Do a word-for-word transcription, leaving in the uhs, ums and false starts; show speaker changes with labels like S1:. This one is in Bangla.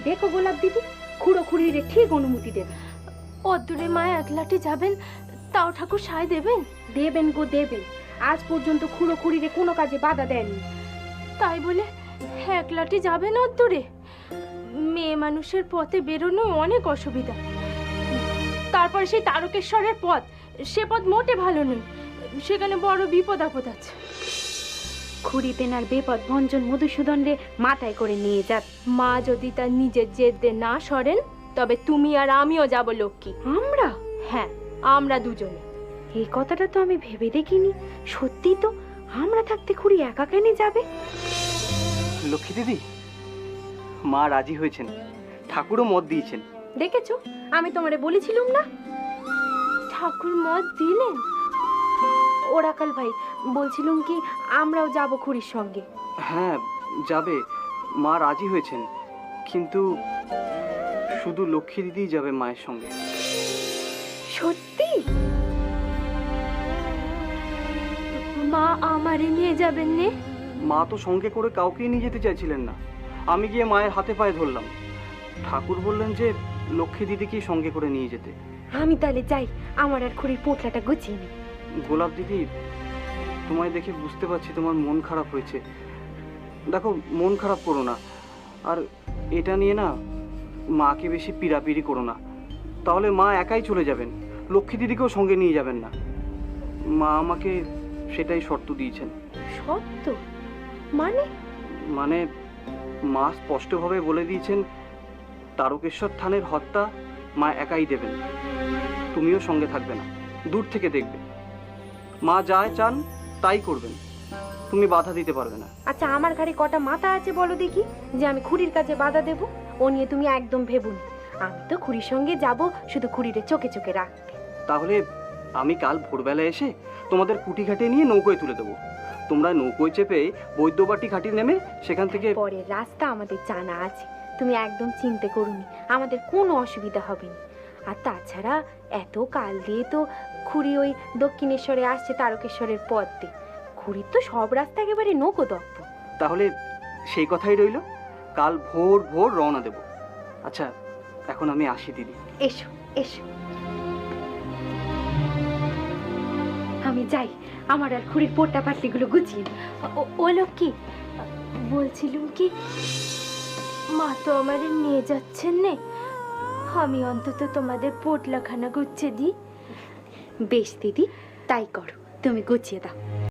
S1: দেখো গোলাপ দিদি, খুড়ো খুড়িরে ঠিক অনুমতি দেবে।
S2: অদূরে মা একলাটি যাবেন, তাও ঠাকুর সায় দেবেন?
S1: দেবেন গো দেবেন, আজ পর্যন্ত খুড়ো খুড়িরে কোনো কাজে বাধা দেননি।
S2: তাই বলে একলাটি যাবেন অদূরে? মেয়ে মানুষের পথে বেরোনো অনেক অসুবিধা। তারপর সেই তারকেশ্বরের পথ, সে পথ মোটে ভালো নয়, সেখানে বড় বিপদ আপদ আছে।
S1: খুড়ি তেনার বেপদ ভঞ্জন মধুসূদন রে মাথায় করে নিয়ে যাক।
S2: মা যদি তার নিজের জেদে না সরেন, তবে তুমি আর আমিও যাব লক্ষ্মী।
S1: আমরা?
S2: হ্যাঁ, আমরা দুজনে।
S1: এই কথাটা তো আমি ভেবে দেখিনি। সত্যি তো, আমরা থাকতে খুড়ি একা কেন যাবে?
S3: লক্ষ্মী দিদি, মা রাজি হয়েছেন, ঠাকুরও মত দিয়েছেন।
S1: দেখেছো, আমি তোমারে বলেছিলাম না?
S2: ঠাকুর মত দিলেন?
S1: ওরাকাল ভাই, বলছিলাম কি আমরাও যাব খুড়ির সঙ্গে।
S3: হ্যাঁ যাবে, মা রাজি হয়েছেন, কিন্তু শুধু লক্ষ্মী দিদিই যাবে মায়ের সঙ্গে।
S1: সত্যি?
S2: মা আমারে নিয়ে যাবেন নে?
S3: মা তো সঙ্গে করে কাউকেই নিয়ে যেতে চাইছিলেন না। আমি গিয়ে মায়ের হাতে পায়ে ধরলাম। ঠাকুর বললেন যে লক্ষ্মী দিদিকেই সঙ্গে করে নিয়ে যেতে।
S1: আমি তাহলে যাই, আমার আর খুড়ির পোটলাটা গুছিয়ে নি।
S3: গোলাপ দিদি, তোমায় দেখে বুঝতে পারছি তোমার মন খারাপ হয়েছে। দেখো, মন খারাপ করো না, আর এটা নিয়ে না মাকে বেশি পিড়াপিড়ি করো না, তাহলে মা একাই চলে যাবেন, লক্ষ্মী দিদিকেও সঙ্গে নিয়ে যাবেন না। মা আমাকে সেটাই শর্ত দিয়েছেন।
S1: সত্য? মানে?
S3: মানে মা স্পষ্টভাবে বলে দিয়েছেন তারকেশ্বর থানের হত্যা মা একাই দেবেন, তুমিও সঙ্গে থাকবে না, দূর থেকে দেখবে। মা যায় চান তাই করবেন, তুমি বাধা দিতে পারবে না।
S1: আচ্ছা, আমার ঘাড়ে কটা মাথা আছে বলো দেখি, যে আমি খুড়ির কাছে বাধা দেব? ও নিয়ে তুমি একদম ভেবুনি। আমি তো খুড়ির সঙ্গে যাব, শুধু খুড়িরে চোখে চোখে রাখতে।
S3: তাহলে আমি কাল ভোরবেলা এসে তোমাদের কুটি ঘাটে নিয়ে নৌকোয় তুলে দেবো। তোমরা নৌকোয় চেপে বৈদ্যবাটি ঘাটি নেমে সেখান থেকে
S1: পরের রাস্তা আমাদের জানা আছে, তুমি একদম চিন্তা করুনি, আমাদের কোনো অসুবিধা হবে না। আর তাছাড়া এত কাল দিয়ে তো খুড়ি ওই দক্ষিণেশ্বরে আসছে তারকেশ্বরের পথ দিয়ে, খুড়ির তো সব রাস্তা একেবারে নৌকো দক্ষ।
S3: তাহলে সেই কথাই রইল, কাল ভোর ভোর রওনা দেব। আচ্ছা, এখন আমি আসি দিদি।
S1: এসো এসো, আমি যাই, আমার আর খুড়ির পোট্টা পাটলিগুলো গুছিয়ে দিই।
S2: ও- ও লক্ষ্মী, বলছিলুম কি, মা তো আমারে নিয়ে যাচ্ছেন নে, আমি অন্তত তোমাদের পোটলাখানা গুছিয়ে দিই।
S1: বেশ দিদি, তাই করো, তুমি গুছিয়ে দাও।